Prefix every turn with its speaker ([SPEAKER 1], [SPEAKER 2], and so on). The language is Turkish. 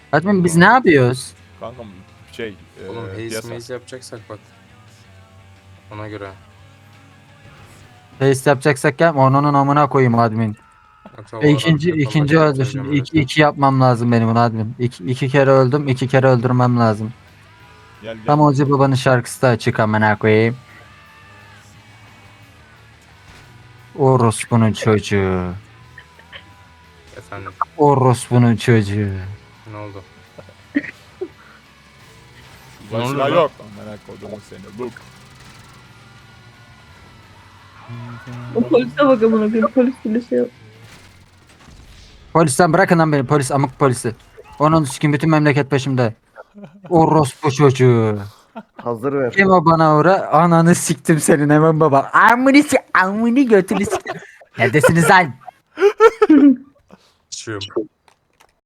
[SPEAKER 1] Admin biz ne yapıyoruz?
[SPEAKER 2] Kankam şey
[SPEAKER 3] Oğlum haze
[SPEAKER 2] piyasa.
[SPEAKER 3] maze yapacaksak bak. Ona göre.
[SPEAKER 1] Face yapacaksak ya onun amına koyayım admin.
[SPEAKER 3] Yoksa
[SPEAKER 1] İkinci
[SPEAKER 3] Valorant yapalım,
[SPEAKER 1] ikinci
[SPEAKER 3] başka
[SPEAKER 1] öldü
[SPEAKER 3] bitireceğim
[SPEAKER 1] şimdi.
[SPEAKER 3] öyle söyleyeyim.
[SPEAKER 1] İki yapmam lazım benim bunu admin. İki kere öldüm. İki kere öldürmem lazım.
[SPEAKER 2] Gel gel.
[SPEAKER 1] Tam Ozi Baba'nın şarkısı da açık amına koyayım. Orospu'nun çocuğu.
[SPEAKER 3] Efendim
[SPEAKER 1] Orospu'nun çocuğu.
[SPEAKER 3] ne oldu?
[SPEAKER 2] Başka
[SPEAKER 3] Ne oluyor lan?
[SPEAKER 2] yok. Amına kodumu seni. Look.
[SPEAKER 4] O polise bak amına koyayım. Polis bile şey yok.
[SPEAKER 1] Polisten bırakın lan beni. Polis amık polisi. Onun sikim bütün memleket peşimde. Orospu çocuğu.
[SPEAKER 5] Hazır ver.
[SPEAKER 1] Kim o bana uğra? Ananı siktim senin hemen baba. Amını götünü siktim. Neredesiniz lan?
[SPEAKER 3] Sıçıyorum.